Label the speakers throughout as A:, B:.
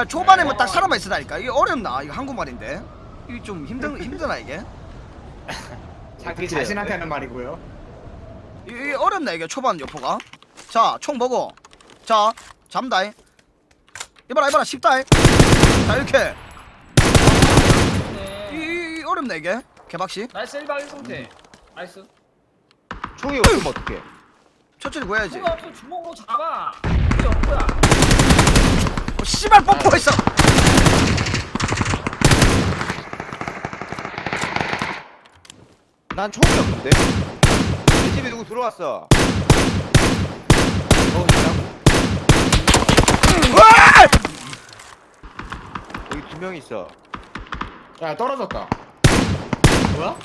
A: 초반에 뭐 딱 살아만 있으다니까. 이게 어렵나? 이거 한국말인데. 이게 좀 힘드나 이게?
B: 자기 자신한테 하는 말이고요.
A: 이게 어렵나 이게 초반 여포가? 자, 총 먹어. 자, 잠다. 이봐라 쉽다. 자, 이렇게. 이 어렵네 이게. 개박씨.
C: 나이스 1박 1상태. 나이스.
D: 총이 없으면 어떡해?
A: 천천히 구해야지.
C: 총알 없으면 주먹으로 잡아. 이게 없구야.
A: 씨발 뽀뽀했어.
D: 난 총이 없는데? 내 집에 누구 들어왔어? 여기 2명 있어.
B: 야 떨어졌다. 뭐야?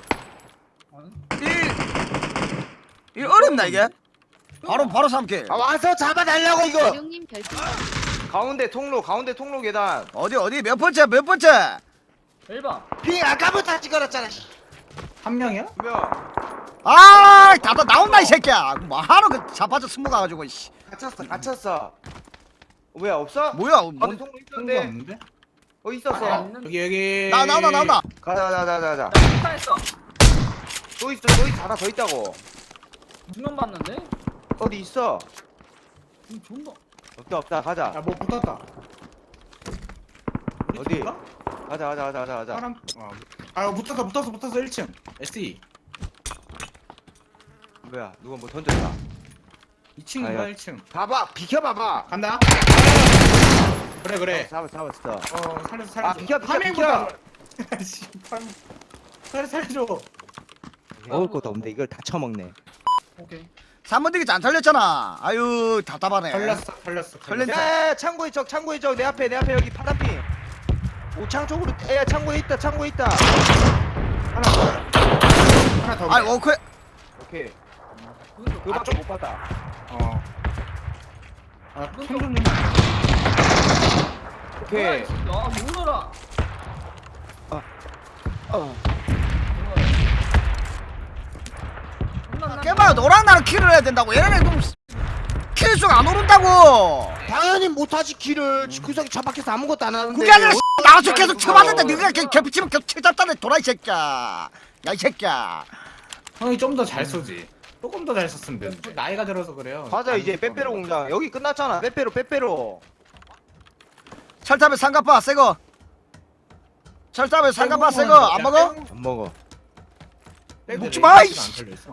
A: 이 어렵나 이게? 바로 3킬.
D: 아 와서 잡아달라고 이거!
E: 대룡님 별풍
D: 가운데 통로 계단.
A: 어디 몇 번째?
C: 1박.
D: 핑 아까부터 찍어놨잖아.
B: 한 명이야?
D: 2명.
A: 아, 다 나온다 이 새끼야. 뭐하러 그 자빠져 숨어 가가지고 씨.
D: 갇혔어. 왜 없어?
A: 뭐야?
D: 아니 통로
B: 통로
D: 있었는데.
B: 없는데?
D: 있었어.
B: 여기.
A: 나온다.
D: 가자.
C: 했어.
D: 또 있어. 하나 더 있다고.
C: 2명 봤는데?
D: 어디 있어?
C: 존나.
D: 없다. 가자.
B: 야뭐 붙었다. 우리
D: 어디?
B: 팀인가?
D: 가자.
B: 사람. 아 붙었어 1층. SE.
D: 뭐야? 누가 뭐 던졌다.
B: 2층인가
D: 야.
B: 1층.
D: 봐봐. 비켜봐봐.
B: 간다. 그래.
D: 잡았어.
B: 살려줘.
D: 아, 비켜.
B: 파밍보다. 씨, 살려줘.
D: 먹을 것도 없는데 이걸 다 처먹네.
C: 오케이.
A: 3번 되기 안 털렸잖아. 아유 답답하네.
B: 털렸어.
A: 털렸네.
D: 야, 창고에 적 내 앞에 여기 파란핑. 오창 쪽으로. 야, 창고에 있다.
B: 하나 더.
A: 아이 오케이.
D: 오케이.
C: 그거
D: 그거밖에 못 받아.
B: 총좀
D: 오케이.
C: 야, 놀라라.
A: 깨봐요. 너랑 나랑 킬을 해야 된다고. 얘네는 좀 킬수가 안 오른다고.
D: 당연히 못하지 키를. 구석에 처박혀서 아무것도 안 하는데.
A: 그게 아니라 나와서 계속 쳐봤는데 네가 개피치면 계속 쳐잡다네. 돌아 이 새끼야. 야 이 새끼야.
B: 형이 좀 더 잘 쏘지. 조금 더 잘 썼으면 되는데. 나이가 들어서 그래요.
D: 가자 이제 빼빼로 공장. 여기 끝났잖아. 빼빼로.
A: 철탑에 삼각바 새거. 철탑에 삼각바 새거 안 먹어?
D: 안 먹어.
A: 먹지 마, 이씨.
B: 안 털려있어.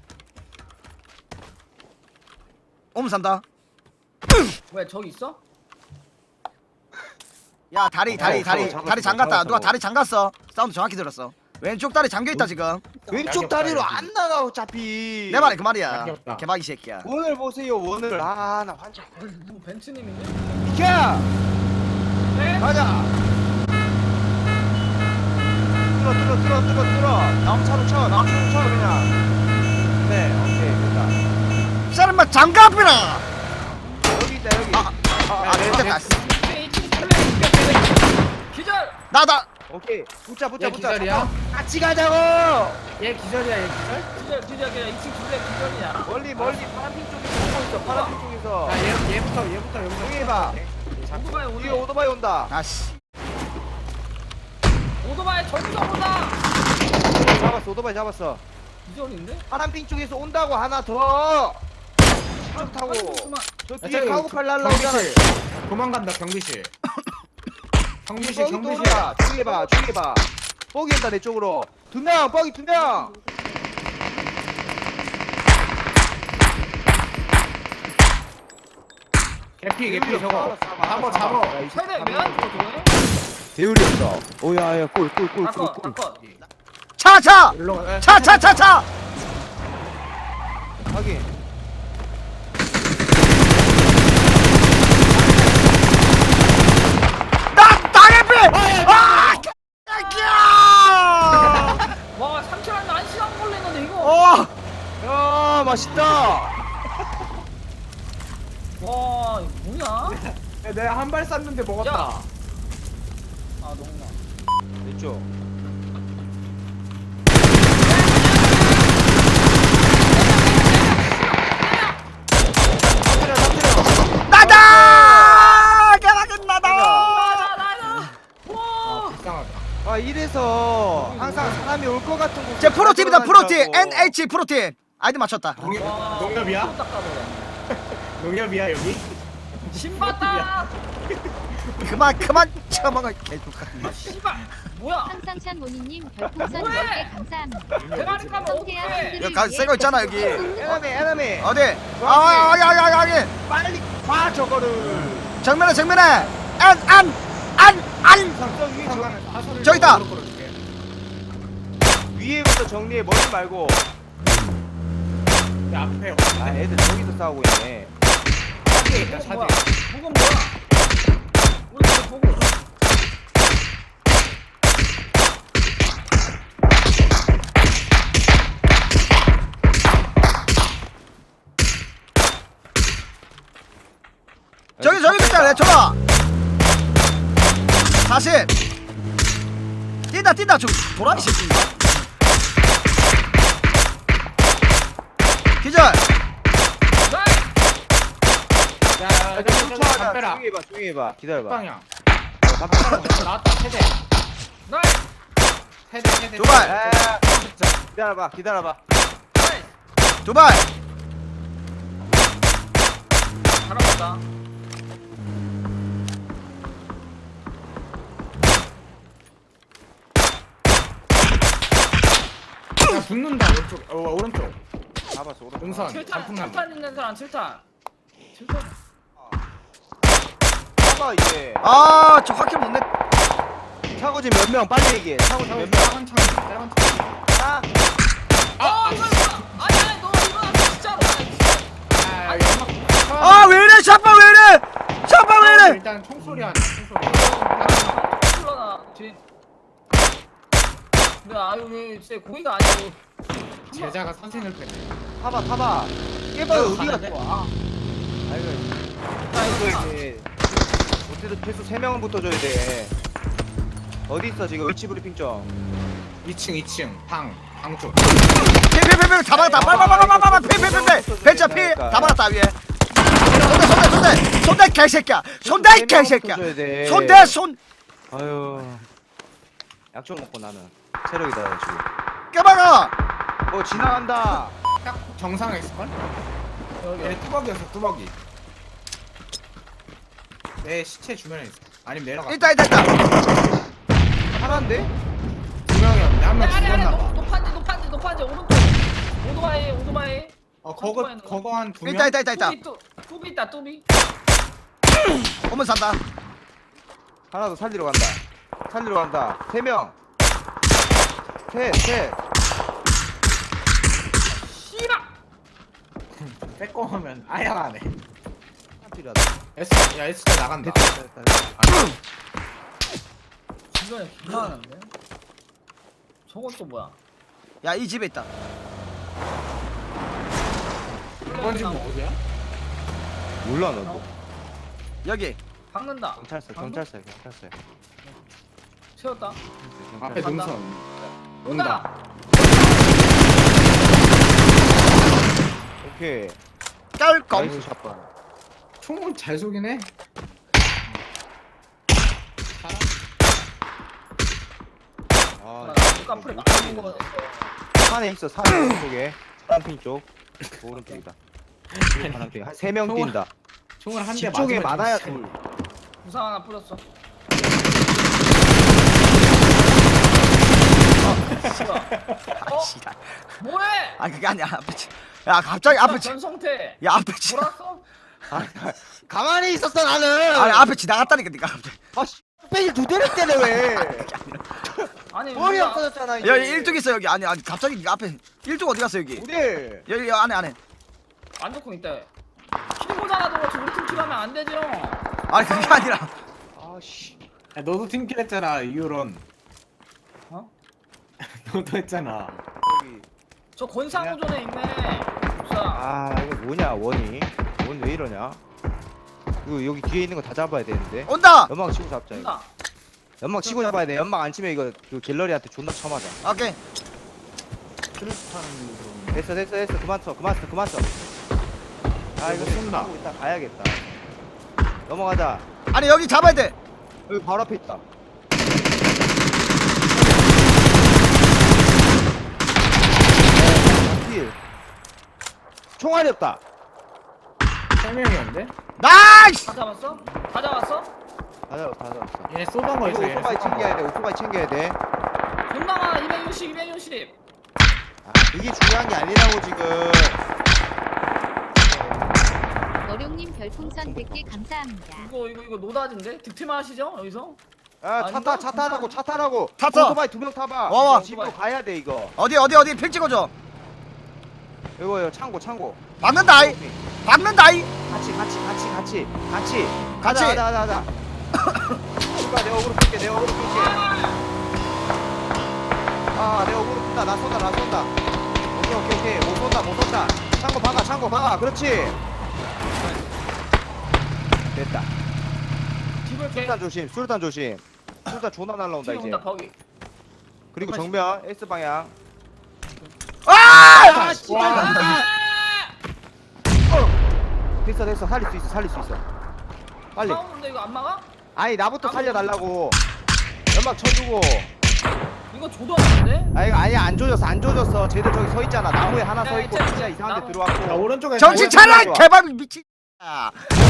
A: 오면 산다.
C: 왜 저기 있어?
A: 야 다리
D: 잡았어.
A: 잠갔다. 누가 다리 잠갔어? 사운드 정확히 들었어. 왼쪽 다리 잠겨있다 지금.
D: 왼쪽 다리로 안 나가 어차피.
A: 내 말이 그 말이야.
B: 약이 없다.
A: 개박이 새끼야.
D: 원을 보세요 원을. 아 나 환장.
C: 누구 벤츠님인데?
D: 비켜.
C: 네?
D: 가자. 뚫어. 다음 차로 쳐 그냥. 네 오케이 됐다.
A: 이 사람만 장갑이라.
D: 여기 있다 여기.
A: 됐다.
C: 기절!
A: 나다.
D: 오케이. 붙자.
B: 얘 기절이야?
D: 같이 가자고.
B: 얘 기절이야 얘 기절?
C: 기절 그냥 2층 둘레 기절이야.
D: 멀리 파란핑 쪽에서 보고 있어. 파란핑 쪽에서.
B: 야 얘부터 여기서.
D: 여기 봐.
C: 오토바이
D: 뒤에
C: 오네.
D: 오토바이 온다.
A: 아씨.
C: 오토바이 저기서 보다.
D: 오토바이 잡았어.
C: 기절인데?
D: 파란핑 쪽에서 온다고 하나 더. 쭉 타고. 저
B: 야,
D: 뒤에
B: 저기
D: 카고팔 날라오잖아.
B: 경비실. 도망간다 경비실. 경비실.
D: 뒤에 봐. 뻑이 온다 내 쪽으로. 뻑이 2명.
B: 개피 저거. 잡아.
C: 세대 왜안 죽어 저거는?
D: 대율이 없어. 오야야 골.
C: 닦어.
A: 차.
B: 일로 가.
A: 차.
D: 확인.
A: 나개피. 아! 새끼야.
C: 와 3킬 하면 1시간 걸리는데 이거.
D: 야 맛있다.
C: 와 이거 뭐냐?
B: 내가 한 발 쐈는데 먹었다.
C: 야. 아 너무나.
D: 됐죠.
A: 나다. 개박은 나다.
D: 이래서 항상 사람이 올 것 같은 곳.
A: 제 프로팀이다 프로팀 NH 프로팀 아이디 맞췄다.
B: 농협이야?
C: 또 닦아버려.
B: 농협이야 여기?
C: 신봤다.
A: 그만 쳐먹어 개족같.
C: 아 씨발. 뭐야?
E: 항상찬 모니님 별풍선
C: 뭐해?
E: 10개 감사합니다.
C: 대가리 까면
E: 성태야
C: 어떡해?
A: 여기 새거 있잖아 여기.
D: 에너미
A: 어디? 여기.
D: 빨리 봐 저거를.
A: 정면에 안
D: 저 위에
A: 저기 있다.
D: 위에부터 정리해 머리 말고.
B: 내 앞에
D: 아 애들 저기서 싸우고 있네.
B: 차지에 있다 차지.
C: 뭐야? 무건 뭐야? 우리 이거 보고.
A: 저기 있잖아 저거. 40. 뛴다 저 도라이 새끼인가? 기절.
B: 야,
D: 쫓아가자.
B: 담배라.
D: 조용히 해봐. 기다려봐.
B: 방향.
D: 담배.
B: 나왔다 세대.
C: 나이스.
B: 세대.
A: 두 발.
D: 야, 기다려봐.
C: 나이스.
A: 두 발.
C: 잘하겠다.
B: 야 붙는다 왼쪽. 오른쪽.
D: 잡았어. 오른쪽.
B: 능선.
C: 7탄
B: 단풍나무.
C: 7탄 있는 사람 7탄. 7탄.
D: 잡아 이제.
A: 저 확킬 못 냈.
D: 차고지 몇 명 빨리 얘기해. 차고지 몇 명.
B: 작은 창.
D: 하나.
C: 이거 아니 너 이거 진짜로.
B: 아 연막.
A: 왜 이래 샷발 왜 이래.
B: 일단 총소리 하나. 총소리.
C: 흘러나 뒤. 근데 아유 왜 진짜 고의가 아니고.
B: 제자가 선생을 뺐네.
D: 타봐. 깨봐 어디 갔어? 아이고 이제 어쨌든 최소 3명은 붙어줘야 돼. 어디 있어 지금 위치 브리핑 좀.
B: 2층 방 쪽.
A: 필 다 박았다. 빨빨빨빨빨 필 벤처 필다 박았다 위에. 손대 개새끼야. 손대 개새끼야. 손.
D: 아유. 약 좀 먹고 나는 체력이다 지금.
A: 깨박아.
D: 지나간다.
B: 딱 정상에 있을걸?
C: 여기.
B: 얘 뚜벅이었어 뚜벅이. 내 시체 주변에 있어. 아니면 내려가.
A: 있다.
D: 하나인데?
B: 두 명이었는데 한 명
C: 아니
B: 죽었나봐.
C: 높아지 오른쪽. 오토바이.
B: 그거 한 두 명.
A: 있다.
C: 뚜비 있다 뚜비.
A: 오면 산다.
D: 하나 더 살리러 간다. 3명. 셋.
C: 씨발.
B: 빼꼼하면 아야 안 해.
D: 필요하다.
B: 야 S자 나간다.
D: 됐다.
C: 주변에 기만한데. 저건 또 뭐야?
A: 야 이 집에 있다.
B: 이번 집은 어디야?
D: 몰라 너도.
A: 여기.
C: 박는다.
D: 경찰서.
C: 채웠다.
B: 앞에
C: 간다.
B: 능선.
C: 온다.
D: 오케이.
A: 깔끔.
D: 나이스 샷발.
B: 총은 잘 쏘긴 해.
D: 아,
C: 누가 풀에 맞는 거.
D: 산에 있어. 산에 오른쪽에. 파란핑 쪽. 오른쪽이다. 파란핑. 한 3명 뛴다.
B: 총을 한 대
D: 집 쪽에
B: 맞으면
D: 많아야
B: 진짜
D: 둘.
C: 부상 하나 뿌렸어.
A: 씨발.
C: 뭐해?
A: 그게 아니야. 야 갑자기 앞에
C: 전성태.
A: 야 앞에 지.
C: 몰았어?
D: 가만히 있었어 나는.
A: 앞에 지나갔다니까 니가 갑자기.
D: 빼기 2대를 때려 왜?
C: 아니
D: 머리
C: 우리가-
D: 없어졌잖아 이제.
A: 여기 일뚝 있어 여기. 아니 갑자기 니가 앞에 일뚝 어디 갔어 여기?
D: 어디?
A: 여기 안에.
C: 안 좋고 있다. 킬보잖아도 그렇지 우리 팀 킬하면 안 되죠.
A: 아니 그게 아니라.
D: 아씨.
B: 야, 너도 팀킬 했잖아 이유론.
C: 어?
B: 너도 했잖아.
D: 여기.
C: 저 권상우존에 있네. 부상.
D: 아 이거 뭐냐 원이? 원 왜 이러냐? 이거 여기 뒤에 있는 거 다 잡아야 되는데.
A: 온다.
D: 연막 치고 잡자 이거.
C: 온다.
D: 연막 치고 잡아야 돼. 연막 안 치면 이거 그 갤러리한테 존나 쳐맞아.
A: 오케이.
D: 됐어. 그만 쳐. 아 이거
B: 쏜다.
D: 하고 이따 가야겠다. 넘어가자.
A: 아니 여기 잡아야 돼.
D: 여기 바로 앞에 있다. 총알이 없다.
B: 3명이었는데?
A: 나이스.
C: 다 잡았어? 다 잡았어?
D: 다 잡았어.
B: 얘네 쏘던 거
D: 이거
B: 있어 얘네
D: 오토바이
B: 쏘던
D: 챙겨야
B: 거.
D: 돼. 오토바이 챙겨야 돼.
C: 존나가 260 260
D: 아, 이게 중요한 게 아니라고 지금.
E: 어룡님 별풍선 100개 감사합니다.
C: 이거 노다진데? 득템 하시죠 여기서?
D: 아,
C: 아닌가?
D: 차 타라고 차 타라고.
A: 타, 타.
D: 오토바이 2명 타봐.
A: 와, 와.
D: 집으로 가야 돼 이거.
A: 어디 픽 찍어줘.
D: 이거 창고.
A: 박는다이. 박는다이.
D: 같이.
A: 같이.
D: 가자. 오빠 내 어그로 끌게. 아, 내 어그로 끈다. 나 쏜다. 오케이. 못 쏜다. 창고 박아. 그렇지. 됐다.
C: 집을 깨
D: 수류탄 조심. 수류탄 존나 날라온다
C: 뒤에
D: 이제.
C: 온다 거기
D: 그리고 정면 S 방향.
A: 아!
D: 됐어. 살릴 수 있어. 빨리.
C: 싸우는데 이거 안 막아?
D: 아니 나부터 살려달라고. 연막 쳐주고.
C: 이거 줘도 안 되는데?
D: 아 이거 아예 안 조졌어. 쟤들 저기 서 있잖아. 나무에 하나 서 있고
C: 야,
D: 진짜
C: 이제
D: 이상한 데
C: 나무.
B: 야,
D: 들어왔고.
B: 오른쪽에
A: 정신 차려 개발 미친. 아.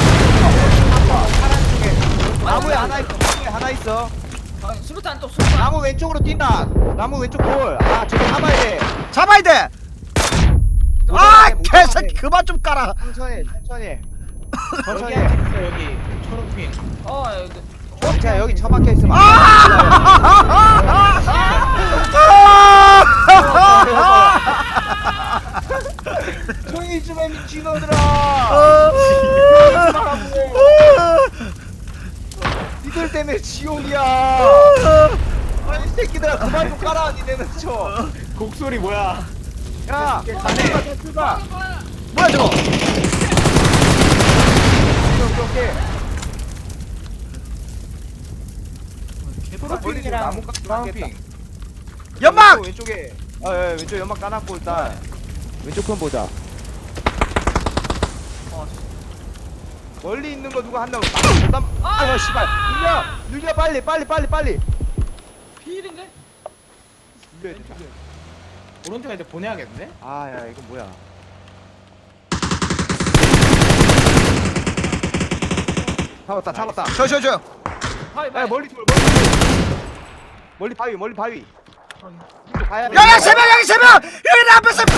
D: 나무에 하나 있어.
C: 아, 수류탄 또 수류탄
D: 나무 왼쪽으로 뛴다. 나무 왼쪽 돌. 아 저거 잡아야 돼.
A: 잡아야 돼. 아 개새끼 그만 좀 깔아.
D: 천천히.
B: 여기 한 집 있어 여기 초록핑.
C: 이거
D: 자 여기 처박혀 있으면. 조용히 좀 해 미친놈들아. 니들 때문에 지옥이야. 아이 새끼들아 그만 좀 깔아. 니네는 쳐.
B: 곡소리 뭐야?
D: 야 출발.
A: 뭐야 저거?
D: 오케이.
B: 초록핑이랑
D: 나무
B: 브라운핑.
A: 연막.
D: 왼쪽에. 왼쪽 연막 까놨고 일단 왼쪽 편 보자. 멀리 있는 거 누가 한다고? 아, 씨발. 누냐 빨리.
C: 비일인데?
B: 오른쪽에 이제 보내야겠는데?
D: 아, 야 이거 뭐야? 잡았다.
A: 저.
C: 바위
D: 야 멀리 돌. 멀리 바위. 이쪽 가야 돼.
A: 야야 세 명 여기 세 명. 여기 내 앞에 세 명.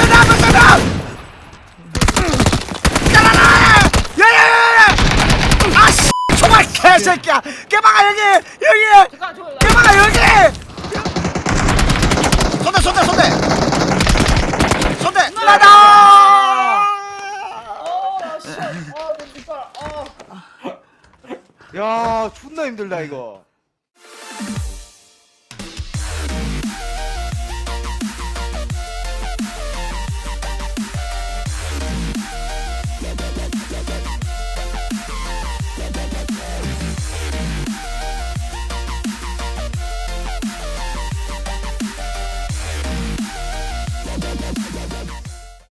A: 야라라. 야야야야. 아씨 정말 개새끼야. 깨방아 여기.
C: 잠깐 저
A: 깨방아 여기. 손대. 나다.
C: 씨. 내 뒷발.
D: 야, 존나 힘들다 이거.